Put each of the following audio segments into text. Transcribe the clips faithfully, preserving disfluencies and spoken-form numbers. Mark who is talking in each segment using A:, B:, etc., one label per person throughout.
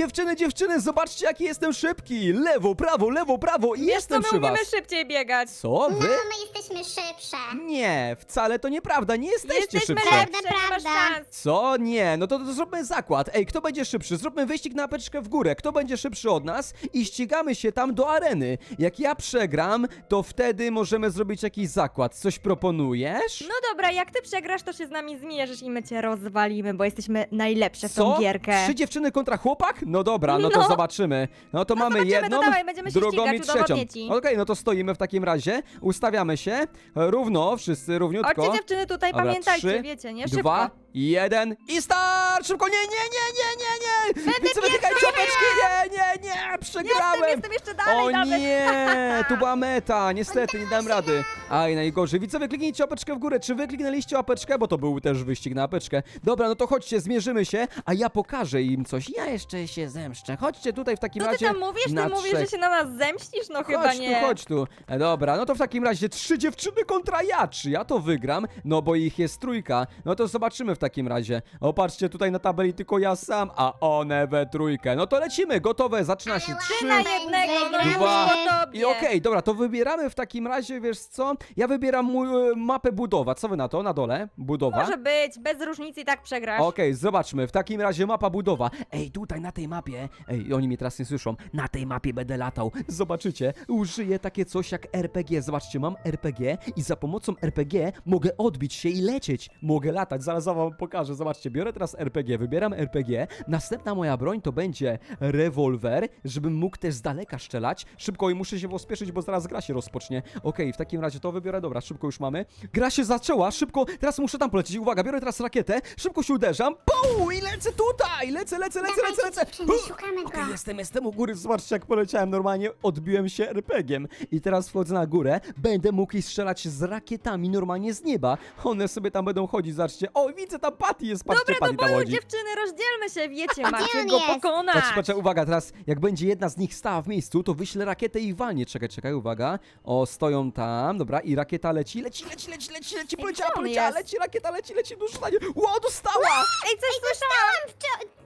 A: dziewczyny, dziewczyny, zobaczcie jaki jestem szybki. Lewo, prawo, lewo, prawo i
B: Wiesz
A: jestem
B: co,
A: przy
B: my
A: was.
B: umiemy szybciej biegać.
A: Co?
C: No,
A: Wy?
C: my jesteśmy szybsze.
A: Nie, wcale to nieprawda, nie jesteście
B: Jesteśmy
A: szybsze.
B: lepsze, nie masz
C: Prawda.
B: szans.
A: Co? Nie, no to, to zróbmy zakład. Ej, kto będzie szybszy? Zróbmy wyścig na apeczkę w górę. Kto będzie szybszy od nas? I ścigamy się tam do areny. Jak ja przegram, to wtedy możemy zrobić jakiś zakład. Coś proponujesz?
B: No dobra, jak ty przegrasz, to się z nami zmierzysz i my cię rozwalimy, bo jesteśmy najlepsze w
A: Co?
B: tą gierkę.
A: Trzy dziewczyny kontra chłopak? No dobra, no to
B: No.
A: zobaczymy. No to
B: No
A: mamy
B: zobaczymy,
A: jedną,
B: to dawaj, będziemy się
A: drugą i
B: ścigać,
A: trzecią.
B: udowodnię ci.
A: Okej, no to stoimy w takim razie. Ustawiamy się. e, Równo, wszyscy równiutko.
B: Chodźcie dziewczyny tutaj,
A: Dobra,
B: pamiętajcie,
A: trzy,
B: wiecie, nie? Szybko.
A: Dwa, jeden i start! Szybko, nie, nie, nie, nie, nie, nie! Widzę, wytykajcie opeczki, nie, nie, nie, przegrałem!
B: Jestem, jestem jeszcze dalej
A: O
B: nawet.
A: nie, tu była meta, niestety nie dam rady. Aj, najgorzej. Widzowie, kliknijcie łapeczkę w górę. Czy wy kliknęliście łapeczkę? Bo to był też wyścig na łapeczkę. Dobra, no to chodźcie, zmierzymy się, a ja pokażę im coś. Ja jeszcze się zemszczę. Chodźcie tutaj w takim
B: Co ty
A: razie
B: tam mówisz?
A: na
B: Ty mówisz,
A: trzech.
B: że się na nas zemścisz? No chyba
A: Chodź
B: nie.
A: tu, chodź tu. E, dobra, no to w takim razie trzy dziewczyny kontra ja. Czy ja to wygram? No bo ich jest trójka. No to zobaczymy w takim razie. O, patrzcie, tutaj na tabeli tylko ja sam, a one we trójkę. No to lecimy, gotowe, zaczyna się.
C: Ale
A: Trzy,
B: Na jednego, no już
A: Dwa.
B: po tobie.
A: i okej, dobra, to wybieramy w takim razie, wiesz co? Ja wybieram mój, e, mapę budowa. Co wy na to? Na dole? Budowa?
B: Może być, bez różnicy i tak przegrasz.
A: Okej, zobaczmy, w takim razie mapa budowa. Ej, tutaj na tej mapie, ej, oni mnie teraz nie słyszą, na tej mapie będę latał. Zobaczycie, użyję takie coś jak R P G. Zobaczcie, mam R P G i za pomocą R P G mogę odbić się i lecieć. Mogę latać, zaraz wam pokażę. Zobaczcie, biorę teraz R P G, wybieram R P G. Następna moja broń to będzie rewolwer, żebym mógł też z daleka strzelać. Szybko i muszę się pospieszyć, bo zaraz gra się rozpocznie. Okej, w takim razie to wybiorę, dobra, szybko już mamy. Gra się zaczęła, szybko, teraz muszę tam polecieć. Uwaga, biorę teraz rakietę, szybko się uderzam, pum, i lecę tutaj, lecę, lecę, lecę, lecę, lecę.
C: Dziewczyny,
A: Uh,
C: szukamy go.
A: Okej, jestem, jestem u góry, zobaczcie jak poleciałem normalnie, odbiłem się er pe giem i teraz wchodzę na górę, będę mógł jej strzelać z rakietami normalnie z nieba. One sobie tam będą chodzić, zobaczcie. O, widzę, tam Patty jest, patrzcie,
B: Dobra,
A: Patty
B: do
A: tam
B: boju,
A: chodzi.
B: dziewczyny, rozdzielmy się, wiecie, macie
C: on
B: go
C: jest?
B: pokonać.
A: Patrz, patrz, uwaga, teraz jak będzie jedna z nich stała w miejscu, to wyślę rakietę i walnie. Czekaj, czekaj, uwaga. O, stoją tam, dobra, i rakieta leci, leci, leci, leci, leci, leci, poleciała,
B: gdzie on
A: poleciała,
B: jest?
A: leci, rakieta leci, leci, dużo stanie. Ło, dostała!
B: Ej, coś słyszałam.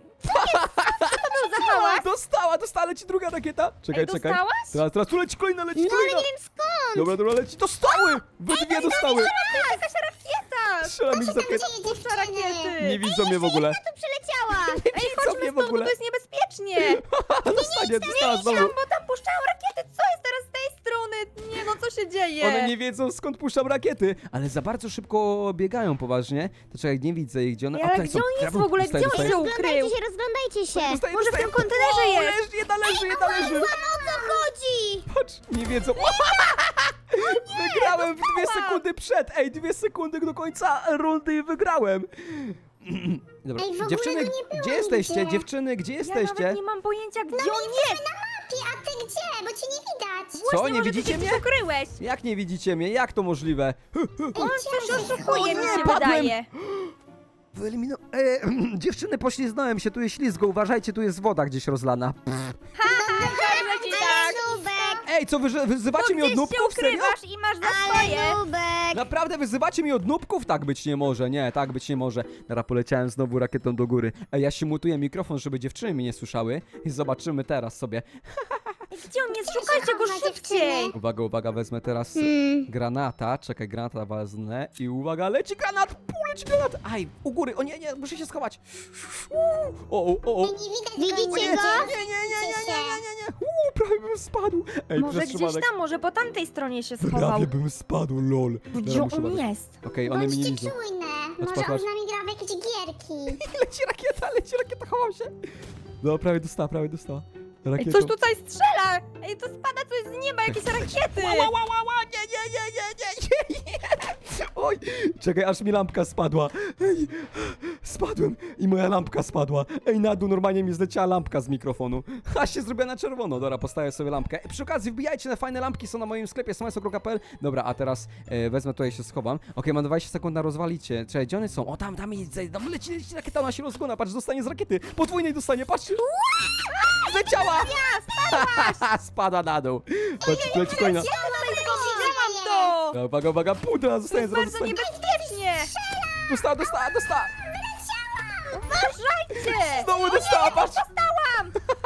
B: za hałas?
A: Dostała, dostała, leci druga rakieta. Czekaj,
B: Ej,
A: czekaj.
B: dostałaś?
A: Teraz, teraz tu leci kolejna, leci
C: No ale
A: kolejna.
C: nie wiem skąd.
A: Dobra, dobra, leci, dostały! We dwie dostały.
B: Jakaś rakieta.
A: Strzelam ich za rakietę.
C: Dzieje,
B: Puszcza
C: dziewczyny.
B: rakiety.
A: Nie widzą mnie w ogóle.
C: Tu przyleciała.
B: Ej,
A: widzą
B: chodźmy
A: mnie w
B: stąd, bo
A: ogóle.
B: to jest niebezpiecznie.
A: Dostanie, dostała
B: Tam,
A: znowu.
B: bo tam puszczają rakiety. Co jest teraz z tej strony? Nie no, co się dzieje?
A: One nie wiedzą skąd puszczam rakiety, ale za bardzo szybko biegają poważnie. To czekaj, nie widzę ich, gdzie one...
B: Ej,
A: A,
B: ale
A: tutaj
B: gdzie
A: są.
B: on jest
A: Dobra,
B: w ogóle?
A: dostaję,
B: Gdzie on
A: dostaję.
B: się ukrył?
C: Rozglądajcie się, rozglądajcie się.
A: Dostaję,
B: Może w
A: dostaję.
B: tym kontenerze
A: O,
B: jest.
A: leży, jedna leży, jedna leży.
C: O co chodzi?
A: Patrz, nie wiedzą. Wygrałem w dwie sekundy przed. Ej, dwie sekundy do końca rundy i wygrałem. Dobra,
C: Ej, w ogóle
A: dziewczyny,
C: go nie było
A: gdzie jesteście?
C: nigdzie.
A: Dziewczyny, gdzie
B: Ja
A: jesteście?
B: nawet nie mam pojęcia, gdzie
C: No
B: on
C: my
B: jest.
C: jesteśmy na mapie, a ty gdzie? Bo cię nie widać.
A: Co,
B: Właśnie,
A: nie
B: może
A: widzicie
B: ty się
A: mnie?
B: gdzieś ukryłeś.
A: Jak nie widzicie mnie? Jak to możliwe?
B: On coś oszukuje, mi
A: nie,
B: się
A: padłem.
B: wydaje.
A: Wyelimino... E, dziewczyny, pośliznąłem się, tu jest ślizgo, uważajcie, tu jest woda gdzieś rozlana.
B: Dobrze ci tak.
C: Nubek,
A: Ej, co, wy, wyzywacie
B: Bo
A: mnie od
B: gdzieś się
A: nubków? Serio?
B: ukrywasz i masz za swoje.
C: ale Nubek.
A: Naprawdę wyzywacie mnie od nubków? Tak być nie może, nie, tak być nie może. Teraz poleciałem znowu rakietą do góry. Ej, ja się mutuję mikrofon, żeby dziewczyny mnie nie słyszały. I zobaczymy teraz sobie.
B: Ej, gdzie on jest? Szukajcie go
C: chowa,
B: szybciej.
C: dziewczyny.
A: Uwaga, uwaga, wezmę teraz
C: Hmm.
A: granata. Czekaj, granata wezmę. I uwaga, leci granat! Pół leci granat! Aj, u góry, o nie, nie, muszę się schować. Uuu, O, o, o, o.
C: Nie widać
A: Nie,
C: go.
A: nie,
C: Widzicie
A: nie,
C: go?
A: nie, nie, nie, nie, nie, nie, nie. Uuu, prawie bym spadł. Ej,
B: Może
A: przez
B: gdzieś
A: przypadek.
B: tam, może po tamtej stronie się schował.
A: Prawie bym spadł, lol.
B: Gdzie
A: Dobra, muszę
B: on
A: badać.
B: jest?
A: Okej, one mnie nie
C: Bądźcie
A: widzą.
C: czujne.
A: Patrz,
C: Może
A: patrz,
C: on
A: patrz.
C: z nami gra w jakieś gierki.
A: Leci rakieta, leci rakieta, chowam się. No, prawie dostała, prawie dostała.
B: Ej,
A: Rakietą.
B: coś tutaj strzela! Ej, to spada coś z nieba, jakieś rakiety!
A: Ła, ła, ła, ła, nie, nie, nie, nie, nie, nie, nie. Oj, czekaj, aż mi lampka spadła. Ej, spadłem i moja lampka spadła. Ej, na dół normalnie mi zleciała lampka z mikrofonu. Aż się zrobiła na czerwono. Dobra, postawię sobie lampkę. Przy okazji wbijajcie na fajne lampki, są na moim sklepie smajso kropka pe el. Dobra, a teraz e, wezmę tutaj, się schowam. Okej, mam dwadzieścia sekund na rozwalicie. Czekaj, gdzie one są? O, tam, tam, jest, tam leci, leci rakieta, ona się rozgona. Patrz, dostanie z rakiety. Podwójnej dostanie, patrzcie. Zleciała! Spada na dół. Patrz, leci kolejna.
B: Widziałam to!
A: Dobra, Uwaga, uwaga, puta,
B: To
A: zostanie,
B: jest
A: zaraz
B: bardzo
A: zostanie.
B: niebezpiecznie!
A: Dostała, dostała, dostała.
B: Uważajcie!
A: Znowu dostała, patrz.
B: Dostałam!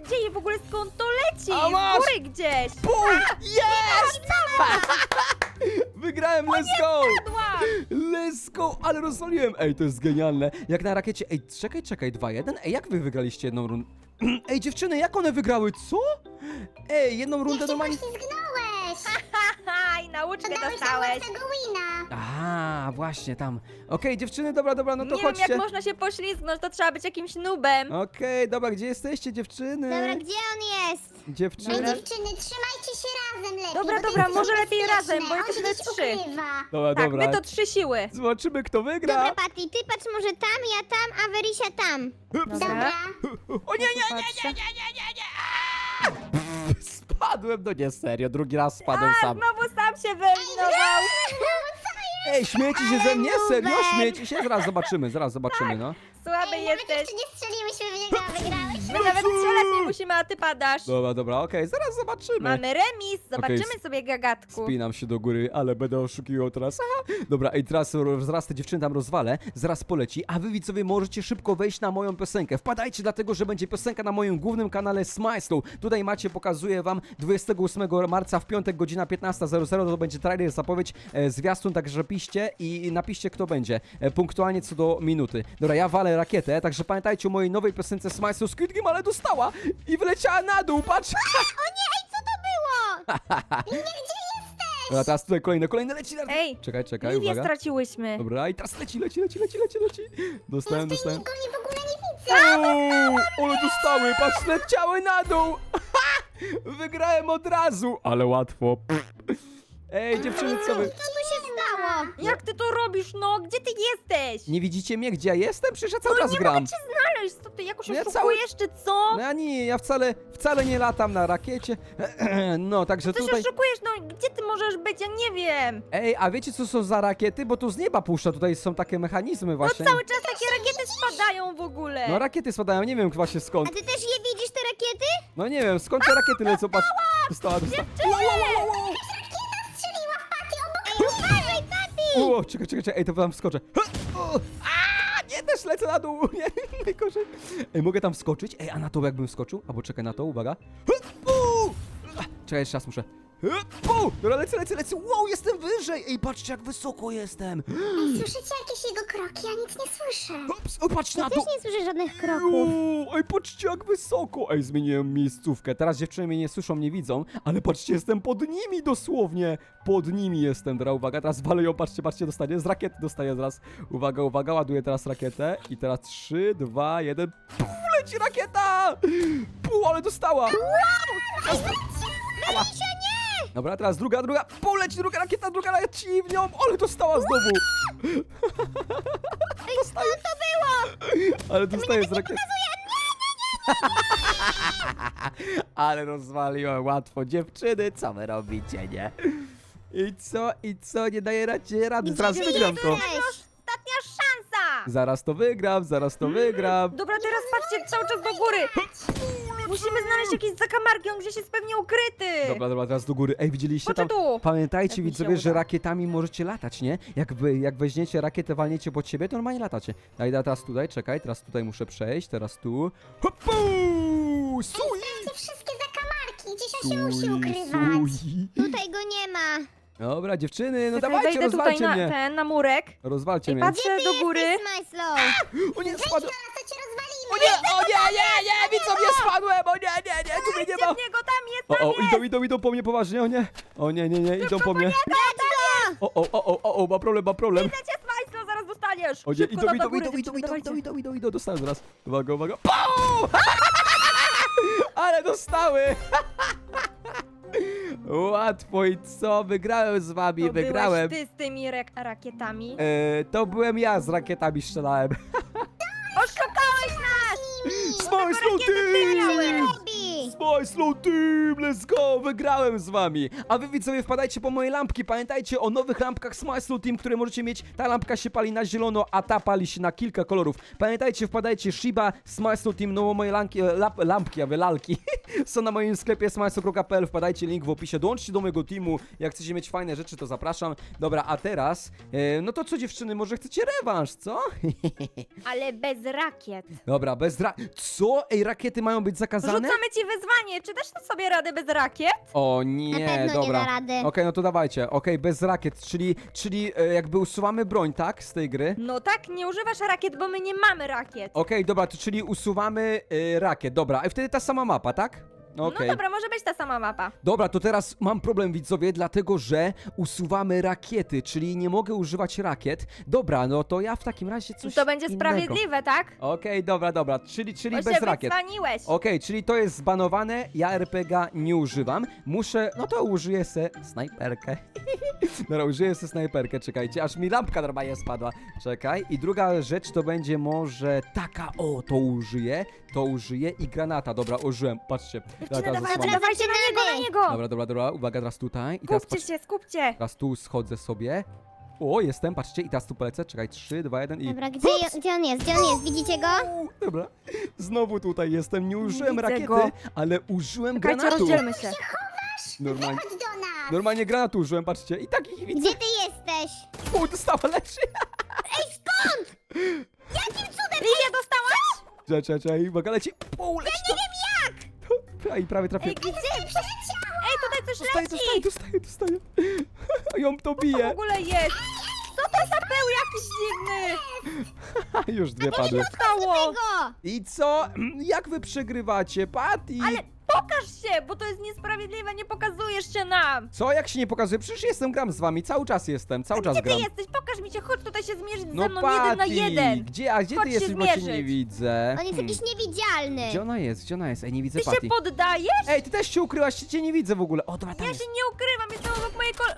B: dzieje w ogóle? Skąd to leci?
A: A masz!
B: Z góry gdzieś.
A: Bum! Jest! Wygrałem, let's go!
B: Padła.
A: Let's go! Ale rozwaliłem! Ej, to jest genialne. Jak na rakiecie... Ej, czekaj, czekaj, dwa jeden. Ej, jak wy wygraliście jedną rundę? Ej, dziewczyny, jak one wygrały? Co? Ej, jedną rundę
C: Jak się
A: normalnie...
C: poślizgnąłeś.
B: Haha, i nauczkę
C: Dałeś nam
B: dostałeś.
C: łatwego wina.
A: A, właśnie, tam. Okej, dziewczyny, dobra, dobra, no to
B: Nie wiem,
A: chodźcie.
B: jak można się poślizgnąć, to trzeba być jakimś nubem.
A: Okej, dobra, gdzie jesteście, dziewczyny?
C: Dobra, gdzie on jest? Ej,
A: Dziewczyny.
C: dziewczyny, trzymajcie się razem lepiej.
B: Dobra,
C: bo to
B: dobra,
C: jest
B: może
C: niebezpieczne.
B: lepiej razem, bo
C: On
B: jesteśmy
C: gdzieś
B: trzy.
C: ukrywa.
A: Dobra,
B: Tak,
A: dobra.
B: my to trzy siły.
A: Zobaczymy, kto wygra.
C: Dobra, Patty, ty patrz może tam, ja tam, a Werysia tam. Dobra.
A: O nie, nie, nie, nie, nie, nie, nie, nie. Spadłem, no nie, serio, drugi raz spadłem
B: A,
A: sam.
B: znowu sam się wyeliminował.
A: Ej, śmiejecie się ze mnie? Serio?
C: numer.
A: Śmiejecie się? Zaraz zobaczymy, zaraz zobaczymy, no.
B: Słaby
C: Ej, nawet
B: jesteś.
C: jeszcze nie strzeliłyśmy w niego, a wygrałeś.
B: My nawet strzelać nie musimy, a ty padasz.
A: Dobra, dobra, okej, zaraz zobaczymy.
B: Mamy remis, zobaczymy
A: Okej,
B: sobie, gagatku.
A: Spinam się do góry, ale będę oszukiwał teraz. Aha. Dobra, i teraz ro- zaraz te dziewczyny tam rozwalę, zaraz poleci, a wy widzowie możecie szybko wejść na moją piosenkę. Wpadajcie, dlatego że będzie piosenka na moim głównym kanale Smajslu. Tutaj macie, pokazuję wam dwudziestego ósmego marca w piątek, godzina piętnasta zero zero, to będzie trailer, zapowiedź, e, zwiastun, także piszcie i napiszcie, kto będzie. E, punktualnie co do minuty. Dobra, ja walę rakietę, także pamiętajcie o mojej nowej piosence Smajslu Squid Game, ale dostała i wyleciała na dół, patrz!
C: O nie, ej, co to było? Gdzie jesteś?
A: Dobra, teraz tutaj kolejne, kolejne leci. na-
B: Ej,
A: Czekaj, czekaj,
B: Liwię
A: uwaga.
B: straciłyśmy.
A: Dobra, i teraz leci, leci, leci, leci, leci, leci. Dostałem, dostałem.
C: Go nie w ogóle nie widzę.
A: O, ale dostały, patrz, leciały na dół. Wygrałem od razu, ale łatwo. Ej, dziewczyny, co wy?
C: Co tu się stało?
B: Jak ty to robisz, no? Gdzie ty jesteś?
A: Nie widzicie mnie, gdzie ja jestem? Przecież ja cały
B: No
A: czas
B: nie
A: gram.
B: mogę cię znaleźć, co ty jakoś
A: No ja
B: oszukujesz, czy co?
A: No ja nie, ja wcale, wcale nie latam na rakiecie. No, także
B: Coś
A: tutaj...
B: oszukujesz, no gdzie ty możesz być, ja nie wiem.
A: Ej, a wiecie co są za rakiety? Bo tu z nieba puszcza, tutaj są takie mechanizmy
B: No
A: właśnie.
B: cały czas takie rakiety spadają w ogóle.
A: No rakiety spadają, nie wiem właśnie
C: A
A: skąd.
C: ty też je widzisz, te rakiety?
A: No nie wiem, skąd te rakiety lecą, patrz. Dostała, dostała.
C: Strzeliła w Patty obok. Ej, uważaj, Patty!
A: O, czekaj, czekaj, czekaj, ej, to wam wskoczę. Ha! O! A, nie, też lecę na dół, nie, najgorzej. Ej, mogę tam wskoczyć? Ej, a na to jakbym wskoczył? Albo czekaj na to, uwaga. Ha! U! A, czekaj, jeszcze raz muszę. Ha! U! Dobra, lecę, lecę, lecę, wow, jestem wyżej. Ej, patrzcie, jak wysoko jestem.
C: Słyszycie jakieś jego kroki? Ja nic nie słyszę.
A: Ups, o, patrz na
C: Też
A: to.
C: nie słyszę żadnych kroków.
A: Uuu, ej, patrzcie jak wysoko! Ej, zmieniłem miejscówkę. Teraz dziewczyny mnie nie słyszą, nie widzą, ale patrzcie, jestem pod nimi dosłownie. Pod nimi jestem, dobra, uwaga, teraz walę ją, patrzcie, patrzcie, dostanie, z rakiety dostaję zaraz. Uwaga, uwaga, ładuję teraz rakietę i teraz trzy, dwa, jeden, puf, leci rakieta! Pół, ale dostała!
C: Werysia, nie!
A: Dobra, teraz druga, druga, pół, leci druga rakieta, druga leci w nią, ale dostała znowu!
C: Ej, skąd to było?
A: Ale dostaję z rakiety. Ale rozwaliłem łatwo. Dziewczyny, co wy robicie, nie? I co, i co, nie daje radzie rady, zaraz
C: ty
A: wygram to.
C: jesteś?
B: Ostatnia szansa.
A: Zaraz to wygram, zaraz to wygram.
B: Dobra, teraz patrzcie cały czas do góry. Musimy znaleźć jakieś zakamarki, on gdzieś jest pewnie ukryty.
A: Dobra, dobra, teraz do góry. Ej, widzieliście tam?
B: Chodź tu.
A: Pamiętajcie,
B: Jak mi się
A: widzowie, że
B: uda.
A: rakietami możecie latać, nie? Jak wy, jak weźmiecie rakietę, walniecie pod siebie, to normalnie latacie. Daj, daj, teraz tutaj, czekaj, teraz tutaj muszę przejść, teraz tu. Hopu! Sui!
C: Te wszystkie zakamarki, gdzieś on się musi
A: Sui,
C: ukrywać.
A: sui.
C: Tutaj go nie ma.
A: Dobra, dziewczyny, no
B: Czekaj,
A: dawajcie,
B: wejdę tutaj
A: rozwalcie
B: na
A: mnie.
B: ten, na murek.
A: Rozwalcie
B: I
A: mnie.
B: patrzę do góry.
C: Smajslow.
A: O nie,
C: Wejdź
A: spadłem.
C: na nas, to cię rozwalimy.
A: O nie, o nie, nie, nie, widzą mnie, spadłem, o nie, nie, nie, tu mnie nie ma.
B: Gdzie w niego tam jest,
A: O,
B: tam
A: o,
B: jest.
A: idą, idą, idą po mnie poważnie, o nie. O nie, nie, nie, idą po mnie. O, o, o, o, o, o, ma problem, ma problem.
B: Widzę cię, Smajslo, zaraz dostaniesz.
A: O nie,
B: Szybko
A: idą,
B: tam
A: idą,
B: do góry,
A: idą, idą,
B: dziewczyny,
A: idą,
B: dawajcie.
A: idą, idą, idą, idą, dostałem zaraz. Uwaga, uwaga. Pau! Ale dostały. Łatwo i co? Wygrałem z wami,
B: To
A: wygrałem.
B: byłeś ty z tymi rak- rakietami.
A: E, to byłem ja, z rakietami strzelałem.
B: Oszukałeś nas!
A: Smajslu,
B: rakiety ty
A: ty!
B: miałeś.
C: Robi.
A: Smile Slow Team, let's go, wygrałem z wami. A wy widzowie wpadajcie po moje lampki, pamiętajcie o nowych lampkach Smile Slow Team, które możecie mieć. Ta lampka się pali na zielono, a ta pali się na kilka kolorów. Pamiętajcie, wpadajcie Shiba, Smile Slow Team, no moje lanki, lap, lampki, a wy lalki są na moim sklepie smileslow kropka p l, wpadajcie, link w opisie, dołączcie do mojego teamu, jak chcecie mieć fajne rzeczy, to zapraszam. Dobra, a teraz, e, no to co dziewczyny, może chcecie rewanż, co?
B: Ale bez rakiet.
A: Dobra, bez ra... Co? Ej, rakiety mają być zakazane?
B: Rzucamy ci wyzwanie, czy dasz sobie radę bez rakiet?
A: O
C: Na
A: nie,
C: pewno
A: dobra.
C: nie da rady.
A: Okej, no to dawajcie. Okej, bez rakiet, czyli, czyli e, jakby usuwamy broń, tak? Z tej gry.
B: No tak, nie używasz rakiet, bo my nie mamy rakiet.
A: Okej, dobra, to czyli usuwamy e, rakiet. Dobra, i wtedy ta sama mapa, tak? Okej.
B: No dobra, może być ta sama mapa.
A: Dobra, to teraz mam problem, widzowie, dlatego że usuwamy rakiety, czyli nie mogę używać rakiet. Dobra, no to ja w takim razie coś
B: To będzie
A: innego.
B: sprawiedliwe, tak?
A: Okej, dobra, dobra, czyli, czyli
B: Bo
A: bez
B: się
A: rakiet.
B: wycwaniłeś.
A: Okej, czyli to jest zbanowane, ja er pe gie nie używam. Muszę, no to użyję se snajperkę. Dobra, użyję se snajperkę, czekajcie, aż mi lampka normalnie spadła. Czekaj, i druga rzecz to będzie może taka, o, to użyję, to użyję i granata, dobra, użyłem, patrzcie.
B: Dziewczyny,
A: Teraz
B: dawajcie,
A: zasłonię.
B: dawajcie na niego, na niego!
A: Dobra, dobra, dobra, uwaga, teraz tutaj. I teraz
B: Skupcie
A: patrzcie,
B: się, skupcie!
A: teraz tu schodzę sobie. O, jestem, patrzcie, i teraz tu polecę, czekaj, trzy, dwa, jeden i...
C: Dobra, gdzie, gdzie on jest? Gdzie on jest? Widzicie go?
A: Dobra, znowu tutaj jestem, nie użyłem
B: Widzę
A: rakiety,
B: go.
A: ale użyłem
B: Czekajcie,
A: granatu.
B: rozdzielmy się.
A: Normalnie,
C: Chodź do nas!
A: normalnie granatu użyłem, patrzcie, i takich widzę.
C: Gdzie ty jesteś?
A: O, dostała leży.
C: Jakim cudem?
B: Lidia, dostałaś?
A: Czekaj, czekaj, czekaj, uwaga, leci. O, leci ja nie wiem jak. I prawie trafię.
B: Ej, gdzie? Ej, tutaj coś
A: Dostaję, dostaję,
B: leci!
A: dostaję, dostaję. Ją to
B: Co w
A: bije.
B: ogóle jest? Co to za pył jakiś dziwny?
A: Już dwie padły.
B: Stało!
C: Go!
A: I co? Jak wy przegrywacie, Patty?
B: Ale pokaż się, bo to jest niesprawiedliwe, nie pokazujesz się nam!
A: Co, jak się nie pokazuje? Przecież jestem, gram z wami, cały czas jestem, cały czas
B: Gdzie ty
A: gram.
B: jesteś? Pokaż mi się, chodź tutaj się zmierzyć
A: No
B: ze mną jeden na
A: Patty,
B: jeden!
A: gdzie, a gdzie
B: Chodź
A: ty
B: się
A: jesteś, bo cię nie
B: zmierzyć.
A: widzę?
C: On jest
A: Hmm.
C: jakiś niewidzialny.
A: Gdzie ona jest? Gdzie ona jest? Ej, nie widzę
B: Ty
A: Patty.
B: się poddajesz?
A: Ej, ty też się ukryłaś, cię nie widzę w ogóle. O, dobra, tam
B: Ja
A: jest.
B: się nie ukrywam, jestem obok mojej kol...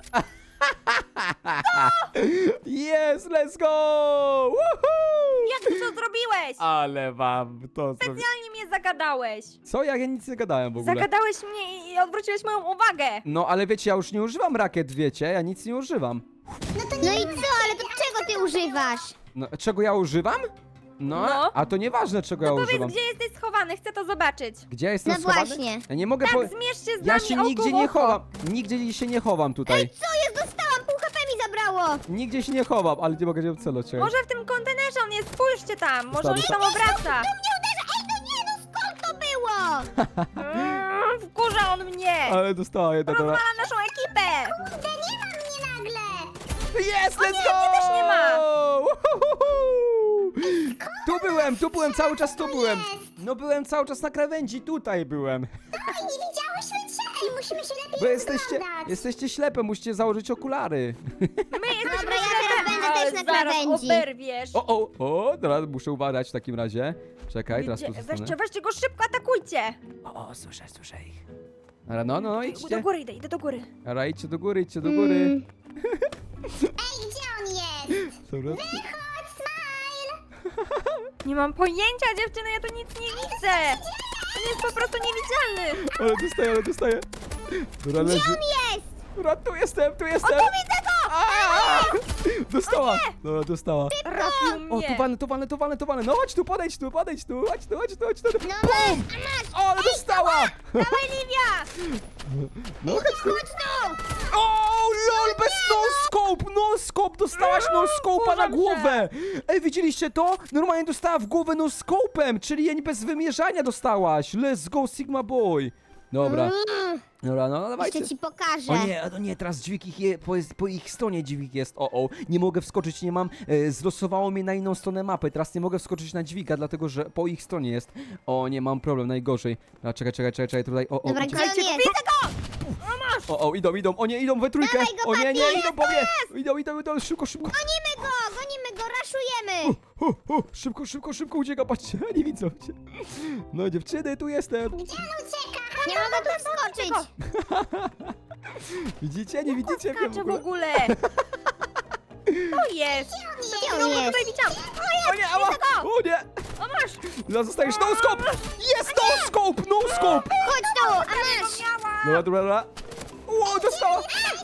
A: Yes, let's go! Woohoo!
B: Jak ty to zrobiłeś?
A: Ale wam to zrobię.
B: Specjalnie mnie zagadałeś.
A: Co? Ja, ja nic nie gadałem w ogóle.
B: Zagadałeś mnie i odwróciłeś moją uwagę.
A: No, ale wiecie, ja już nie używam rakiet, wiecie? Ja nic nie używam.
C: No i co? Ale to czego ty używasz?
A: No, czego ja używam? No,
B: No.
A: a to nieważne, czego ja
B: Powiedz,
A: używam.
B: gdzie jesteś schowany, chcę to zobaczyć.
A: Gdzie ja jestem
C: No
A: schowany?
C: właśnie.
A: Ja nie mogę
B: Tak,
A: po...
B: zmierz się z
A: Ja
B: nami
A: się
B: oko
A: nigdzie
B: w
A: nie
B: oko.
A: chowam. Nigdzie się nie chowam tutaj.
C: Co jest? Dostałam! Pół ha pe mi zabrało!
A: Nigdzie się nie chowam, ale nie mogę się celować. czekaj.
B: Może w tym kontenerze on jest, spójrzcie tam, może on się
A: Dobra.
B: tam obraca.
C: Nie uderza! Ej, no nie, no skąd to było?
B: Mm, wkurza on mnie.
A: Ale dostała jedna, dobra.
B: Rozwala naszą ekipę.
C: Kurde, nie ma mnie nagle!
A: Jest, let's
B: nie,
A: go!
B: mnie też nie ma.
A: Uhuhuhu. Tu byłem, tu byłem, cały czas tu byłem. No byłem cały czas na krawędzi, tutaj byłem.
C: Ej, nie widziałyśmy cię! I musimy się lepiej
A: Bo jesteście,
C: rozglądać.
A: jesteście ślepe, musicie założyć okulary.
B: My jesteśmy
C: Dobra, ja
B: ślepe.
C: teraz będę
B: Ale
C: też na
B: zaraz
C: krawędzi.
B: oberwiesz.
A: O, o, o, teraz muszę uważać w takim razie. Czekaj, teraz tu
B: Gdzie-
A: zostanę.
B: Weźcie, weźcie go szybko, atakujcie.
A: O, o, słyszę, słyszę ich. Dobra, no, no,
B: Do
A: idźcie.
B: góry idę, idę do góry.
A: Dobra, idźcie do góry, idźcie do góry.
C: Mm. Ej, gdzie on jest?
A: Dobra.
C: Chodź, Smile!
B: Nie mam pojęcia, dziewczyny, ja tu nic nie widzę. On jest po prostu niewidzialny.
A: Ale dostaję, ale dostaję. Dobra, leży.
C: On jest!
A: Dobra, tu jestem, tu jestem.
B: O, tu widzę go!
A: Aaa! Dostała. Dobra, dostała.
B: Trafił
A: O,
B: mnie.
A: tu walę, tu walę, tu walę, tu walę. No chodź tu, podejdź tu, podejdź tu, chodź tu, chodź tu, chodź tu.
C: No masz, a masz!
A: O, ale dostała.
B: Dawaj, Livia!
A: No chodź tu.
C: Chodź tu!
A: O, lol, bez no scope, no scope, dostałaś no scope'a na
B: Wkurzam
A: głowę. Ej, widzieliście to? Normalnie dostała w głowę no scope'em, czyli jej bez wymierzania dostałaś. Let's go, Sigma Boy. Dobra,
C: Mm,
A: dobra, no dawajcie.
C: Jeszcze ci pokażę.
A: O nie, o nie, teraz dźwig ich je, po, po ich stronie dźwig jest, o o, nie mogę wskoczyć, nie mam, e, zlosowało mnie na inną stronę mapy, teraz nie mogę wskoczyć na dźwiga, dlatego że po ich stronie jest. O, nie, mam problem, najgorzej. A, czekaj, czekaj, czekaj, czekaj, tutaj, o, o,
C: Dobra,
A: idzie-
C: gdzie on
B: Słuchajcie,
C: jest?
B: widzę go!
A: o, o, idą, idą, o nie, idą we trójkę,
C: Dawaj go,
A: o nie, nie,
C: Patty,
A: idą po mnie, idą, idą, idą, szybko, szybko,
C: Gonimy go, gonimy go, raszujemy!
A: o, o, szybko, szybko, szybko ucieka, patrzcie, nie widzą cię. No dziewczyny, tu jestem,
C: Gdzie on ucieka? Nie mogę tu wskoczyć!
A: widzicie, nie widzicie mnie w
B: Kacze w
A: ogóle.
B: ogóle. To jest!
C: Gdzie
B: No,
C: on
B: bo
C: jest?
B: tutaj widziałam!
A: O nie, ała! O nie!
B: O, masz!
A: No zostajesz, no scope! Jest no scope, no scope!
C: Chodź tu, a masz!
B: Miała!
A: Dobra, dobra, dobra. Ło, dostała!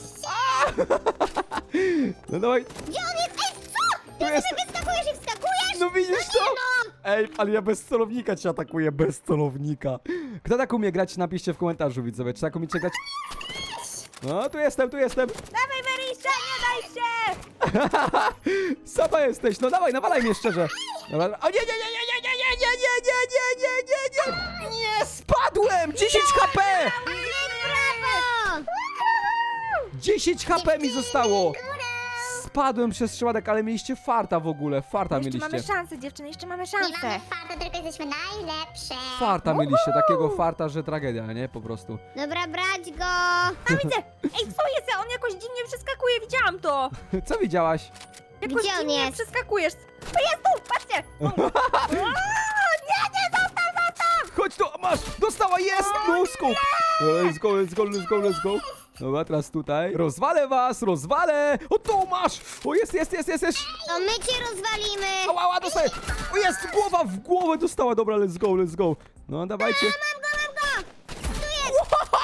A: No dawaj,
C: Gdzie on jest? Ej, co?
A: tu
C: Ty
A: jest.
C: sobie wyskakujesz i wskakujesz?
A: No widzisz to?
C: No!
A: Ej, ale ja bez celownika cię atakuję, bez celownika. Kto tak umie grać, napiszcie w komentarzu, widzowie. Czy tak umiecie grać? No, tu jestem, tu jestem.
B: Dawaj, Werysia, nie daj się!
A: Sama jesteś, no dawaj, nawalaj mnie szczerze. Dobra, o nie, nie, nie, nie, nie, nie, nie, nie, nie, nie, nie, nie, nie, nie, nie, spadłem! dziesięć H P!
C: Brawo!
A: dziesięć H P mi zostało! Spadłem przez przypadek, ale mieliście farta w ogóle, farta
B: Jeszcze mamy
A: mieliście.
B: szansę, dziewczyny, jeszcze mamy
C: Nie
B: szansę.
C: mamy farta, tylko jesteśmy najlepsze.
A: Farta mieliście, takiego farta, że tragedia, nie? Po prostu.
C: Dobra, brać go!
B: A widzę! Ej, co jest? On jakoś dziwnie przeskakuje, widziałam to!
A: Co widziałaś?
B: Jakoś
C: Gdzie on
B: dziwnie
C: jest?
B: przeskakujesz. To jest tu, patrzcie! O, o, nie, nie, zostaw, zostaw!
A: Chodź tu, masz! Dostała, jest! No scope! Let's go, let's go, let's go, let's go. Dobra, teraz tutaj. Rozwalę was, rozwalę! O, tu masz! O, jest, jest, jest, jest, jest!
C: To my cię rozwalimy!
A: Ała, ała, dostaję! O, jest! Głowa w głowę dostała! Dobra, let's go, let's go. No, dawajcie.
C: Mam go, mam go! Tu jest!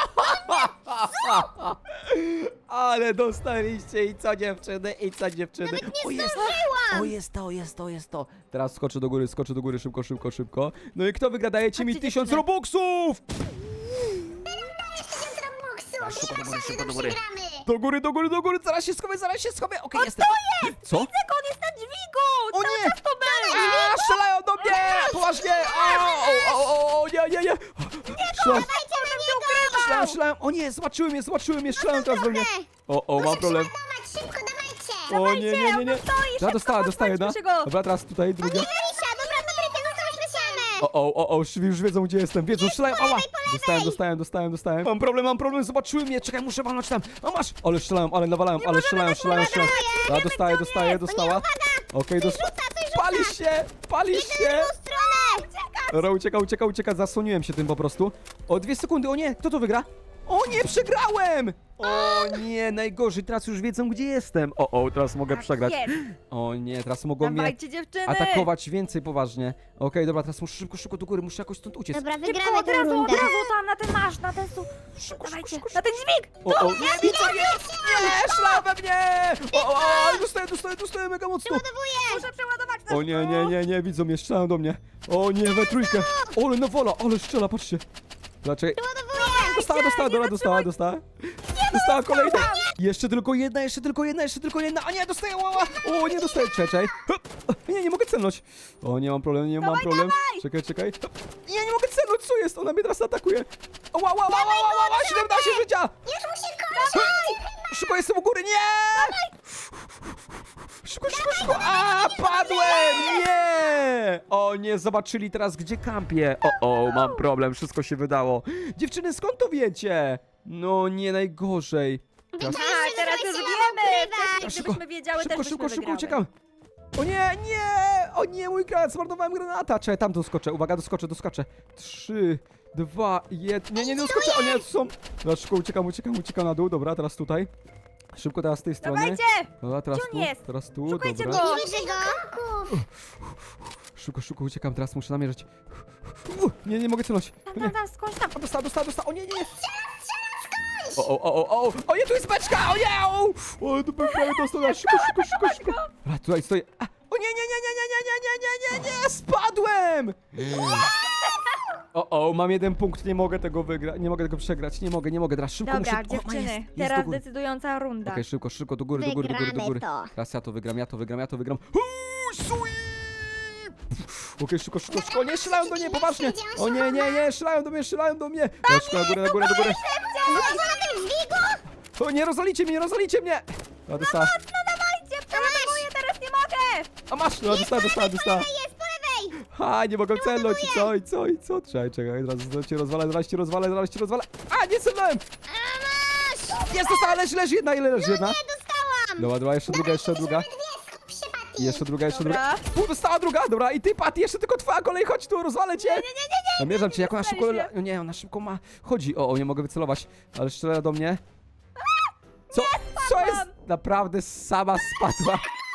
A: Ale dostaliście i co dziewczyny, i co dziewczyny.
C: Nawet nie
A: O, jest!
C: zdążyłam!
A: O, jest to, jest to, jest to. Teraz skoczę do góry, skoczę do góry, szybko, szybko, szybko. No i kto wygra? Dajecie mi
B: Chodźcie,
A: tysiąc
B: dziewczyny.
A: robuxów!
C: tysiąc robuxów!
A: szybko,
C: Nie
A: do
C: ma
A: góry,
C: szansy,
A: szybko,
C: że
A: do góry.
C: przegramy!
A: Do góry, do góry, do góry, zaraz się schowię, zaraz się schowię. Okej, jestem.
B: To jest!
A: Co?
B: Widzę go, on jest na dźwigu!
A: O
B: Cały
A: nie!
B: czas to był!
A: A, strzelają do mnie! Poważnie! O, o, o, o, nie, nie, nie! Strzelają,
B: Potem się ukrywał!
A: strzelają, strzelają. O nie, zobaczyły mnie, zobaczyły mnie, strzelają teraz we mnie. O, o, mam problem.
C: Dawać, szybko, dawajcie!
A: O nie, nie, nie, nie.
B: on tu stoi,
A: Ja
B: szybko,
A: dostała, dostaję, no.
B: podchodźmy go.
A: Dobra, teraz tutaj druga.
C: Werysia, dobra, dobra, zostałyśmy same!
A: O, o, o, o, już już wiedzą gdzie jestem, wiedzą, strzelają, ała! Dostałem, dostałem, dostałem, dostałem. Mam problem, mam problem, zobaczyły mnie, czekaj, muszę walnąć tam. A masz! Ale strzelają, ale nawalają, ale strzelają, strzelają, strzelają. Ja dostaję, dostaję, dostała. Okej, dos... Pali się, pali się!
C: Stronę!
A: Dobra, ucieka, ucieka, ucieka, zasłoniłem się tym po prostu. O, dwie sekundy, o nie, kto to wygra? O nie, przegrałem! O nie, najgorzej, teraz już wiedzą gdzie jestem. O, o, teraz mogę
B: Tak
A: przegrać.
B: jest.
A: O nie, teraz mogą mnie
B: Dawajcie, dziewczyny!
A: atakować więcej poważnie. Okej, dobra, teraz muszę szybko, szybko do góry, muszę jakoś stąd uciec.
C: Dobra,
B: Szybko,
C: wygramy
B: od
C: tę
B: razu, od
C: rundę.
B: razu tam, na ten masz, na ten su...
A: Szybko,
B: Dawajcie,
A: szybko, szybko,
B: na ten dźwig!
A: O, o, nie, widzę, nie, nie, szla we mnie! O, o, o, dostaję, dostaję, dostaję mega mocno.
B: Muszę przeładować na
A: O nie, nie, nie, nie, widzą mnie, strzelają do mnie. O nie, we trójkę. Ole, no wola, ale strzela, patrzcie. Dlaczego? Dostała, dostała, dobra, dostała, dostała. Dostała kolejna. Jeszcze tylko jedna, jeszcze tylko jedna, jeszcze tylko jedna. A nie, dostaję, łała. O, nie dostaję, czekaj. Hop. Nie, nie mogę celnąć. O, nie mam problemu, nie mam
B: Dawaj,
A: problem.
B: dawaj.
A: Czekaj, czekaj. Hop. Nie, nie mogę celnąć, co jest? Ona mnie teraz atakuje. O, ła, ła, ła, ła, ła, ła, siedemnaście życia.
C: Już mu się kończy!
A: Szybko, jestem u góry, nie! Szybko, szybko, szybko! A, padłem! Nie! O, nie zobaczyli teraz, gdzie kampię. O, o, mam problem, wszystko się wydało. Dziewczyny, skąd to wiecie? No, nie najgorzej. Teraz...
B: Tak, teraz już
C: Weźcie,
B: wiemy!
C: ukrywać.
B: Wcześniej,
A: Szybko,
B: gdybyśmy wiedziały,
A: Szybko,
B: też
A: szybko,
B: byśmy
A: szybko,
B: wygrały.
A: uciekam. O nie, nie! O nie, mój granat, zmarnowałem granata. Czekaj, tam doskoczę, uwaga, doskoczę, doskoczę. Trzy, dwa, jeden. Nie, nie, nie doskoczę, o nie, tu są. Dobra, szybko, uciekam, uciekam, uciekam na dół, dobra, teraz tutaj. Szybko teraz z tej strony.
B: Dawajcie!
A: Dobra, teraz
B: Gdzie
A: tu,
B: on jest?
A: teraz tu,
B: Szukajcie
A: dobra.
B: go!
C: Nie widzę go!
A: Szybko, szybko uciekam, teraz muszę namierzyć. Uh, nie, nie mogę celać.
B: Tam,
A: O nie,
B: tam, tam, skądś tam!
A: o, dostała, dostała, dostała, o nie, nie, nie. O, o, o, o, o, o nie, tu jest beczka, o nie, o, o, tu prawie dostała, szybko, szybko, szybko, szybko. Dobra, tutaj stoję. A, o nie, nie, nie, nie, nie, nie, nie, nie, nie, nie, nie, spadłem. O, o, mam jeden punkt, nie mogę tego wygrać, nie mogę tego przegrać, nie mogę, nie mogę, teraz szybko
B: Dobra,
A: muszę... O, ma,
B: dziewczyny,
A: jest, jest do
B: teraz
A: góry.
B: decydująca runda.
A: Okej, szybko, szybko, do góry, do góry, do góry, do góry.
C: Wygramy to.
A: Teraz ja to wygram, ja to wygram, ja to wygram. Uuu, sweep! Okej, szybko, szybko, szybko, nie strzelają do mnie, poważnie! O nie, nie, nie, strzelają do mnie, strzelają do mnie! Ja szybko, na górę, na górę, na górę!
C: Zobacz na tym dźwigu!
A: O nie, rozwalicie mnie, nie rozwalicie mnie! A, dostała.
B: No dawajcie, przeładowuję, teraz nie mogę!
A: A masz, no, dostała, dostała, dostała.
C: Jest po lewej!
A: Ha, nie mogę celnąć, i co, i co, i co? Czekaj, czekaj, zaraz cię rozwalę, zaraz cię rozwalę, zaraz cię rozwalę. A, nie celnąłem!
C: A masz!
A: Jest, dostała, leży, leży jedna, ile leży jedna?
C: Nie dostałam!
A: Dobra, dobra, jeszcze druga, jeszcze druga.
C: Dwie, skup się, Patty!
A: I jeszcze druga, jeszcze
B: Dobra.
A: druga. U, dostała druga, dobra, i ty, Patty, jeszcze tylko twoja kolej, chodź tu, rozwalę cię.
B: Nie, nie, nie, nie, nie!
A: Zamierzam cię, jak ona szybko...
B: dostaliśmy.
A: la- Nie, ona szybko ma... Chodzi, o, o, nie mogę wycelować, ale strzela do mnie. Co? Co jest? Naprawdę sama spadła.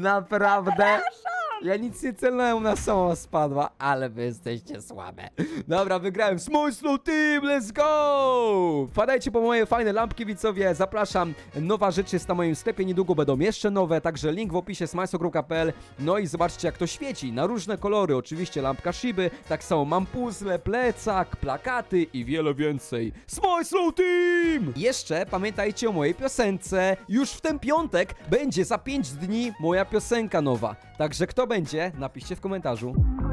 A: Naprawdę? Ja nic nie celnąłem, ona sama spadła, ale wy jesteście słabe. Dobra, wygrałem. Small Slow Team, let's go! Wpadajcie po moje fajne lampki, widzowie. Zapraszam. Nowa rzecz jest na moim sklepie, niedługo będą jeszcze nowe, także link w opisie smajso kropka pe el. No i zobaczcie, jak to świeci. Na różne kolory. Oczywiście lampka Shiby, tak samo mam puzzle, plecak, plakaty i wiele więcej. Small Slow Team! Jeszcze pamiętajcie o mojej piosence. Już w ten piątek będzie za pięć dni moja piosenka nowa. Także kto będzie? Napiszcie w komentarzu.